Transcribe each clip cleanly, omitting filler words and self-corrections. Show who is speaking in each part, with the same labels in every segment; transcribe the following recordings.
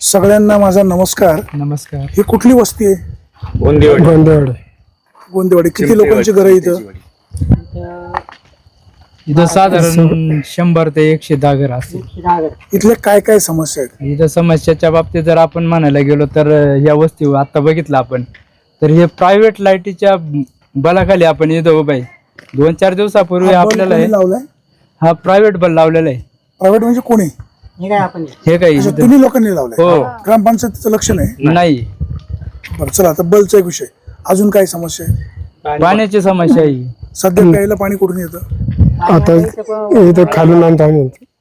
Speaker 1: सगळ्यांना माझा नमस्कार.
Speaker 2: नमस्कार.
Speaker 1: ही कुठली वस्ती आहे? गोंदेवाडी. किती लोकांची घर आहे इथं?
Speaker 2: इथं साधारण 100 ते 110 घर असतील.
Speaker 1: इथल्या काय काय समस्या आहेत?
Speaker 2: इथं समस्याच्या बाबतीत जर आपण म्हणायला गेलो तर या वस्तीवर आता बघितलं आपण तर हे प्रायव्हेट लाईटीच्या बलाखाली आपण इथं उभं आहे. 2-4 दिवसापूर्वी आपल्याला
Speaker 1: लावलाय.
Speaker 2: हा प्रायव्हेट बल लावलेला आहे.
Speaker 1: प्रायव्हेट म्हणजे कोणी?
Speaker 2: हे काही
Speaker 1: तुम्ही लोकांनी लावलंय?
Speaker 2: हो.
Speaker 1: ग्रामपंचायतीचं लक्ष नाही?
Speaker 2: नाही.
Speaker 1: बरं चला, आता बलचा एक विषय. अजून काय समस्या आहे?
Speaker 2: पाण्याची समस्या आहे.
Speaker 1: सध्या प्यायला पाणी कुठून येतं?
Speaker 3: आता इथं खालून आणतो आम्ही.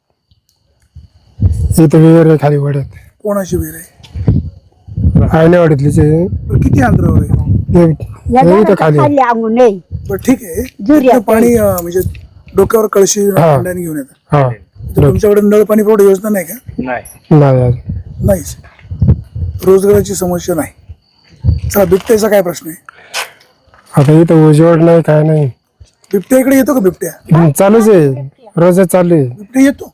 Speaker 3: इथं विहीर आहे खाली वाड्यात.
Speaker 1: कोणाची विहीर आहे?
Speaker 3: आयनेवाडीतलीच आहे.
Speaker 1: बरं, किती अंतरावर आहे?
Speaker 3: इथं खाली.
Speaker 1: बरं ठीक आहे. इथलं पाणी म्हणजे डोक्यावर कळशी भांड्याने घेऊन येतं.
Speaker 3: हा.
Speaker 1: तुमच्याकडे नळ पाणी पुरवठा योजना नाही का?
Speaker 3: नाही.
Speaker 1: नाहीच. रोजगाराची समस्या नाही. चला, बिबट्याचा काय प्रश्न आहे?
Speaker 3: आता इथं उजवड नाही काय नाही.
Speaker 1: बिबट्या इकडे येतो का? बिबट्या
Speaker 3: चालूच आहे, रोजच चालू आहे.
Speaker 1: बिबट्या येतो?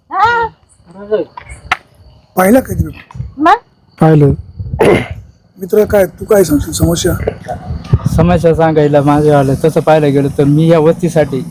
Speaker 1: पाहिला कधी बिबट्या?
Speaker 3: पाहिलं.
Speaker 1: मित्र, काय तू काय सांगशील समस्या?
Speaker 2: समस्या सांगायला माझं आलं तसं पाहायला गेलं तर मी या वस्तीसाठी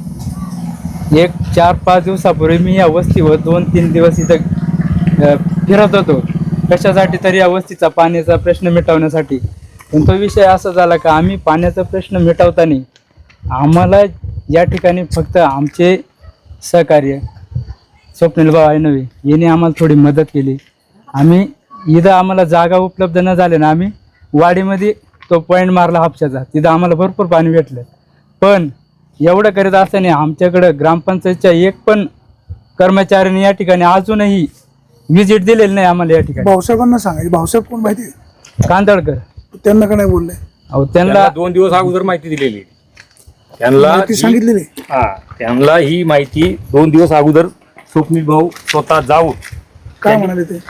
Speaker 2: 4-5 दिवसापूर्वी मी या वस्तीवर 2-3 दिवस इथं फिरत होतो. कशासाठी? तर या वस्तीचा पाण्याचा प्रश्न मिटवण्यासाठी. पण तो विषय असा झाला का आम्ही पाण्याचा प्रश्न मिटवताना आम्हाला या ठिकाणी फक्त आमचे सहकार्य स्वप्नील भाऊ नव्हे यांनी आम्हाला थोडी मदत केली. आम्ही इथं आम्हाला जागा उपलब्ध न झाले ना, आम्ही वाडीमध्ये तो पॉईंट मारला हापशाचा. तिथं आम्हाला भरपूर पाणी भेटलं. पण एवढं करीत असताना आमच्याकडं ग्रामपंचायतच्या एक पण कर्मचाऱ्यांनी या ठिकाणी अजूनही व्हिजिट दिलेली नाही आम्हाला या ठिकाणी.
Speaker 1: भाऊसाहेबांना सांगायचं. भाऊसाहेब कोण माहिती आहे?
Speaker 2: कांदळकर.
Speaker 1: त्यांना का नाही बोलले?
Speaker 2: अहो त्यांना
Speaker 4: 2 दिवस अगोदर माहिती दिलेली. त्यांना
Speaker 1: सांगितलेली.
Speaker 4: त्यांना ही माहिती 2 दिवस अगोदर स्वप्नील भाऊ स्वतः जाऊन
Speaker 1: काय म्हणाले ते?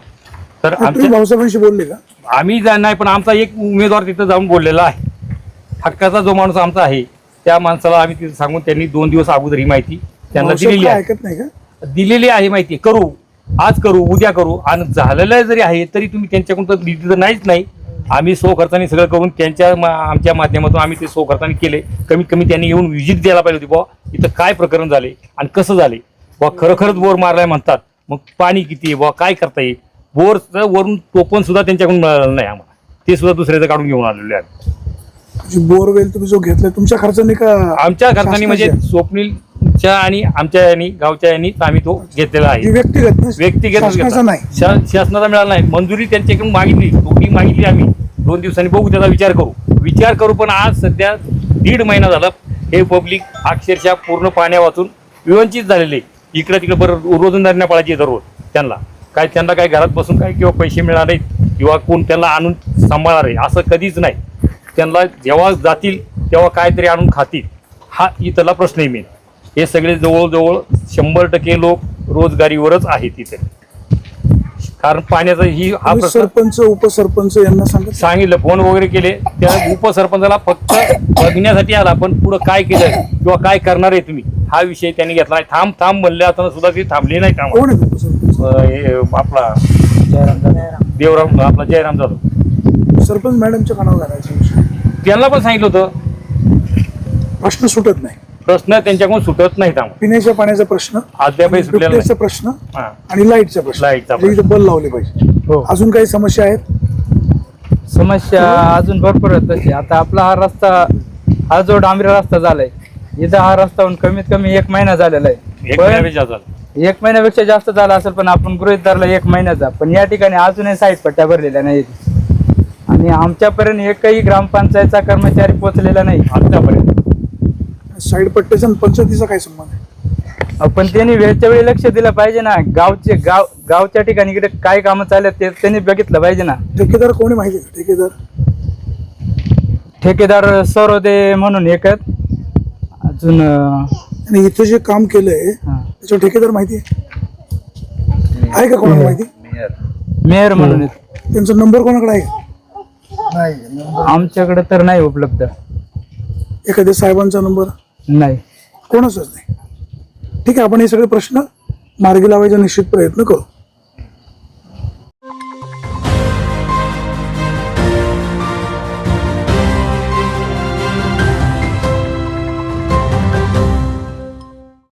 Speaker 4: तर
Speaker 1: तुम्ही भाऊसाहेबांशी बोलले का?
Speaker 4: आम्ही नाही, पण आमचा एक उमेदवार तिथं जाऊन बोललेला आहे. हक्काचा जो माणूस आमचा आहे त्या माणसाला आम्ही तिथं सांगून त्यांनी 2 दिवस अगोदर ही माहिती त्यांना दिलेली आहे.
Speaker 1: ऐकत नाही का?
Speaker 4: दिलेली आहे माहिती. करू, आज करू, उद्या करू. आणि झालेलं जरी आहे तरी तुम्ही त्यांच्याकडून तर दिली तर नाहीच नाही. आम्ही सो खर्चाने सगळं करून आमच्या माध्यमातून आम्ही ते सो खर्चाने केले. कमीत कमी त्यांनी येऊन व्हिजिट द्यायला पाहिजे होती. बुवा इथं काय प्रकरण झाले आणि कसं झाले. बुवा खरंच बोर मारलाय म्हणतात, मग पाणी किती आहे, बुवा काय करता येईल. बोरचं वरून टोपण सुद्धा त्यांच्याकडून मिळालं नाही आम्हाला. ते सुद्धा दुसऱ्याचं काढून घेऊन आलेले आहे.
Speaker 1: बोरवेल तुम्ही जो घेतलाय तुमच्या खर्चाने का?
Speaker 4: आमच्या खर्चाने, म्हणजे स्वप्नीलच्या आणि आमच्या यांनी गावच्या यांनी आम्ही तो घेतलेला आहे. व्यक्तिगत शासनाचा मिळाला नाही. मंजुरी त्यांच्याकडून मागितली, टोकरी मागितली. आम्ही 2 दिवसांनी बघू, त्याचा विचार करू. पण आज सध्या 1.5 महिना झाला हे पब्लिक अक्षरशः पूर्ण पाण्या वाचून विवंचित झालेले. इकडे तिकडे बरं रोजंदारीना पाळायची दररोज. त्यांना काय घरात बसून काय किंवा पैसे मिळणार नाहीत किंवा कोण त्यांना आणून सांभाळणार आहे असं कधीच नाही. त्यांना जेव्हा जातील तेव्हा काहीतरी आणून खातील, हा इथला प्रश्न आहे मेन. हे सगळे जवळजवळ 100% लोक रोजगारीवरच आहेत तिथे. कारण पाण्याचा हा
Speaker 1: सरपंच उपसरपंच यांना
Speaker 4: सांगितलं, फोन वगैरे केले. त्या उपसरपंचाला फक्त बघण्यासाठी आला, पण पुढे काय केलं किंवा काय करणार आहे तुम्ही हा विषय त्यांनी घेतला नाही. थांब म्हणले असताना सुद्धा ते थांबले नाही. आपला देवराम, आपला जयराम जाधव
Speaker 1: सरपंच मॅडमच्या कानावर घालायचं.
Speaker 4: त्यांना पण सांगितलं होतं.
Speaker 1: प्रश्न सुटत नाही.
Speaker 4: प्रश्न त्यांच्याकडून सुटत नाहीत.
Speaker 1: पिण्याच्या पाण्याचा प्रश्न
Speaker 4: अद्यापही सुटलेला
Speaker 1: प्रश्न आणि लाईटचा प्रश्न. बल लावले पाहिजे. अजून काही समस्या आहेत?
Speaker 2: समस्या अजून भरपूर आहेत तशी. आता आपला हा रस्ता, हा जो डांबरी रस्ता झालाय, इथं हा रस्ता होऊन कमीत कमी 1 महिना झालेला आहे. 1 महिन्यापेक्षा जास्त झाला असेल, पण आपण गृहीत धरला 1 महिन्याचा. पण या ठिकाणी अजूनही साईड पट्ट्या भरलेल्या नाहीत आणि आमच्यापर्यंत एकही ग्रामपंचायतचा कर्मचारी पोहोचलेला नाही आतापर्यंत.
Speaker 1: साईड पट्ट्याचा पंचायतीचा काय संबंध आहे?
Speaker 2: पण त्यांनी वेळच्या वेळी लक्ष दिलं पाहिजे ना. गावच्या ठिकाणी इकडे काय कामं चालत ते त्यांनी बघितलं पाहिजे ना.
Speaker 1: ठेकेदार कोणी माहिती आहे?
Speaker 2: ठेकेदार सरोदे म्हणून एक आहेत. अजून
Speaker 1: इथं जे काम केलंय त्याच्या ठेकेदार माहिती आहे का? कोणाला माहिती?
Speaker 2: मेयर म्हणून.
Speaker 1: त्यांचा नंबर कोणाकडे आहे?
Speaker 2: आमच्याकडे तर नाही उपलब्ध.
Speaker 1: एखाद्या साहेबांचा नंबर
Speaker 2: नाही,
Speaker 1: कोणाचाच नाही. ठीक आहे, आपण हे सगळे प्रश्न मार्गी लावायचा निश्चित प्रयत्न करू.